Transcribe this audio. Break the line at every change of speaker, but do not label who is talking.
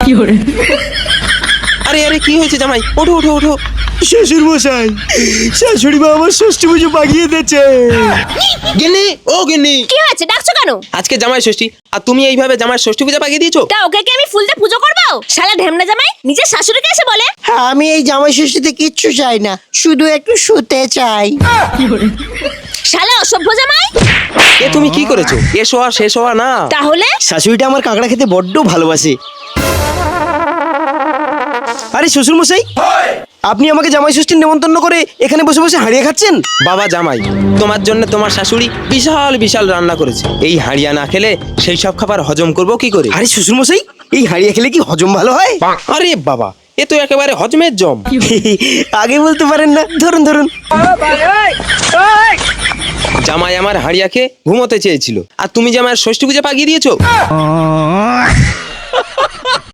আরে আরে কি হয়েছে জামাই? ওঠো ওঠো ওঠো।
শ্বশুর মশাই, শাশুড়ি মা আমার ষষ্ঠী পুজো পাকিয়ে দিয়েছে।
গিন্নি, ও গিন্নি,
কি হয়েছে, ডাকছো কেন?
আজকে জামাই ষষ্ঠী আর তুমি এইভাবে জামাই ষষ্ঠী পূজা পাকিয়ে দিয়েছো?
তা ওকে কি আমি ফুল দিয়ে পুজো করবো? শালা ঢেমনা জামাই নিজের শাশুড়িকে এসে বলে।
হ্যাঁ, আমি এই জামাই ষষ্ঠীতে কিচ্ছু চাই না, শুধু একটু শুতে চাই।
শালা অসভ্য জামাই।
এ তুমি কি করেছো? এসো আর শেষ হওয়া না।
তাহলে
শাশুড়িটা আমার কাঁকড়া খেতে বড্ড ভালোবাসে। আরে শ্বশুর মশাই, আপনি আমাকে জামাই ষষ্ঠীর নেমন্তন্ন করে এখানে বসে বসে হারিয়ে খাচ্ছেন?
বাবা জামাই, তোমার জন্য তোমার শাশুড়ি বিশাল বিশাল রান্না করেছে। এই হাড়িয়া না খেলে সেই সব খাবার হজম করবো কি করে?
আরে শ্বশুর মশাই, এই হারিয়ে খেলে কি হজম ভালো হয়?
আরে বাবা, এ তো একেবারে হজমের জম।
আগে বলতে পারেন না? ধরুন ধরুন।
জামাই আমার হাড়িয়া খেয়ে ঘুমোতে চেয়েছিল আর তুমি জামাইয়ের ষষ্ঠী পূজা পাকিয়ে দিয়েছো।